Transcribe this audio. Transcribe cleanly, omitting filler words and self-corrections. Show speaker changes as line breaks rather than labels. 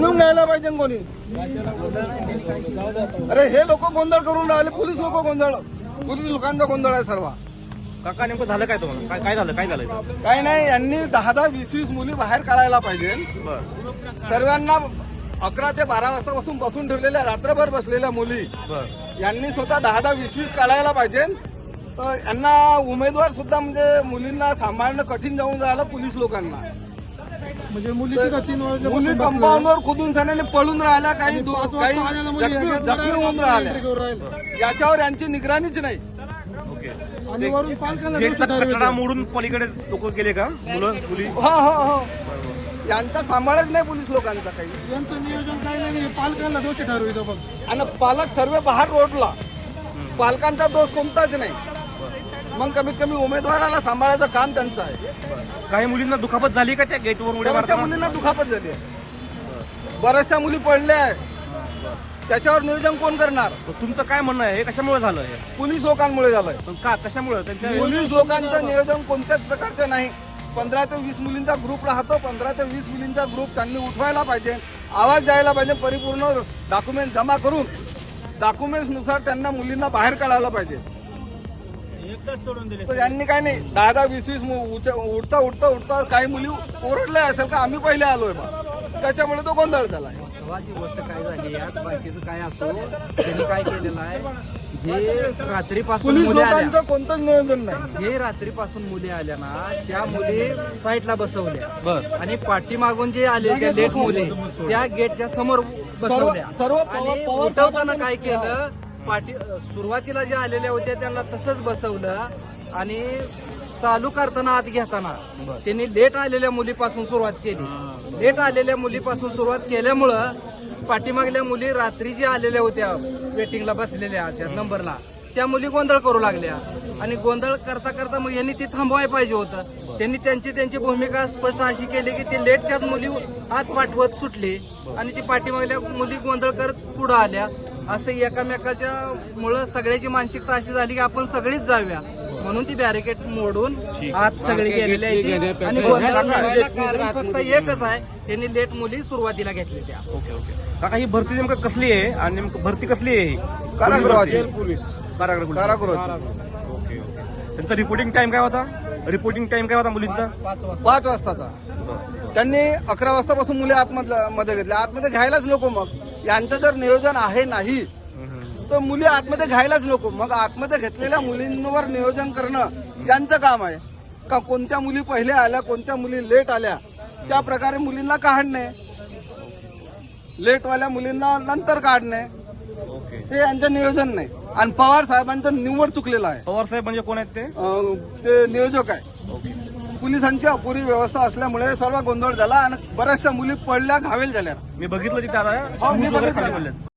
समजून घ्यायला पाहिजे कोणी. अरे हे लोक गोंधळ करून राहिले, पोलीस लोक गोंधळ, पोलीस लोकांचा गोंधळ आहे सर्व.
काका नेमकं झालं काय तुम्हाला? काय झालं?
काही नाही, यांनी 10-10, 20-20 मुली बाहेर काढायला पाहिजे.
बरं
सर्वांना 11 ते 12 वाजतापासून बसून ठेवलेल्या, रात्रभर बसलेल्या मुली
बरं
यांनी स्वतः 10-10, 20-20 काढायला पाहिजे. तर यांना उमेदवार सुद्धा म्हणजे मुलींना सांभाळणं कठीण जाऊन राहिलं पोलीस लोकांना.
म्हणजे मुली तिथं 3
मुली
वाजल्यापासून
कंपाऊंडवर खुदून सण्याने पळून राहिल्या, काही जखमी होऊन राहिल्या. याच्यावर यांची निगराणीच नाही.
ओके.
आणि वरून पालकांना
गेट
दोषी ठरवलं.
कटडा मोडून पलीकडे लोक गेले का? मुलं मुली?
हो हो हो, यांचा सांभाळच नाही पोलीस लोकांचा काही.
यांचं नियोजन काही नाही, पालकांना दोषी ठरवितो बघ.
आणि पालक सर्व बाहेर रोडला, पालकांचा दोष कोणताच नाही. मग कमीत कमी उमेदवाराला सांभाळायचं काम त्यांचं आहे.
काही मुलींना दुखापत झाली का त्या गेटवर उड्या
बऱ्याचशा
मारताना?
मुलींना दुखापत झाली आहे, बऱ्याचशा मुली पडल्या आहे. त्याच्यावर नियोजन कोण करणार?
तुमचं काय म्हणणं आहे? हे कशामुळे झालं हे?
पोलीस लोकांमुळे झालंय.
पण का? कशामुळे? त्यांच्या
पोलीस लोकांचं नियोजन कोणत्याच प्रकारचं नाही. 15 ते 20 मुलींचा ग्रुप राहतो, 15 ते 20 मुलींचा ग्रुप त्यांनी उठवायला पाहिजे, आवाज द्यायला पाहिजे, परिपूर्ण डॉक्युमेंट जमा करून डॉक्युमेंट्स नुसार त्यांना मुलींना बाहेर काढायला पाहिजे. तर यांनी काय नाही, 10-10, 20-20 उठता उठता उठता काही मुली ओरडल्या असेल का आम्ही पहिले आलोय बा, त्याच्यामुळे तो गोंधळ झाला.
तेव्हाची गोष्ट काय झाली, आज बाकीचं काय असो, त्यांनी काय केलेलं आहे, जे रात्रीपासून
पोलीस
मुली आल्या,
लोकांचं कोणतंच नियोजन नाही.
जे रात्रीपासून मुली आल्या ना, त्या मुली साईडला बसवल्या
बरं
आणि पाठीमागून जे आले त्या लेट मुली त्या गेटच्या समोर बसवल्या.
सर्व
आणि उठवताना काय केलं, सुरुवातीला जे आलेल्या होत्या त्यांना तसंच बसवलं आणि चालू करताना आत घेताना त्यांनी लेट आलेल्या मुलीपासून सुरुवात केली. लेट आलेल्या मुलीपासून सुरुवात केल्यामुळं पाठीमागल्या मुली रात्री जे आलेल्या होत्या वेटिंगला बसलेल्या अशा नंबरला, त्या मुली गोंधळ करू लागल्या. आणि गोंधळ करता करता मग यांनी ती थांबवायला पाहिजे होतं. त्यांनी त्यांची भूमिका स्पष्ट अशी केली की ते लेटच्याच मुली आत पाठवत सुटले आणि ती पाठीमागल्या मुली गोंधळ करत पुढे आल्या. असं एकामेकाच्या मुळे सगळ्याची मानसिकता अशी झाली की आपण सगळीच जाऊया, म्हणून ती बॅरिकेड मोडून आत सगळी गेलेली आहे. आणि गोंधळ करायला कारण फक्त एकच आहे, त्यांनी लेट मुली सुरुवातीला घेतलेल्या.
Okay okay. काका ही भरती नेमकं कसली आहे आणि नेमकं भरती कसली आहे ही?
कारागृहाची.
कारागृह पोलीस.
कारागृहाची.
Okay okay. त्यांचा रिपोर्टिंग टाइम काय होता? रिपोर्टिंग टाइम काय होता मुलींचा?
5 वाजताचा. त्यांनी 11 वाजतापासून मुली आतमध्ये घेतल्या. आतमध्ये घ्यायलाच नको. मग यांचं जर नियोजन आहे नाही तर मुली आतमध्ये घ्यायलाच नको. मग आतमध्ये घेतलेल्या मुलींवर नियोजन करणं यांचं काम आहे का? कोणत्या मुली पहिले आल्या, कोणत्या मुली लेट आल्या, त्या प्रकारे मुलींना काढणे, लेटवाल्या मुलींना नंतर काढणे,
ओके.
हे यांचं नियोजन नाही. आणि पवार साहेबांचं निवड चुकलेलं आहे.
पवार साहेब म्हणजे कोण आहेत ते?
ते नियोजक आहे. पोलिसांची अपुरी व्यवस्था असल्यामुळे सर्व गोंधळ झाला आणि बऱ्याचशा मुली पडल्या, घावेल झाल्या.
मी बघितलं तिथे आता
हो, मी
शूज वगैरे
बघितलं.
खाली पडलेत.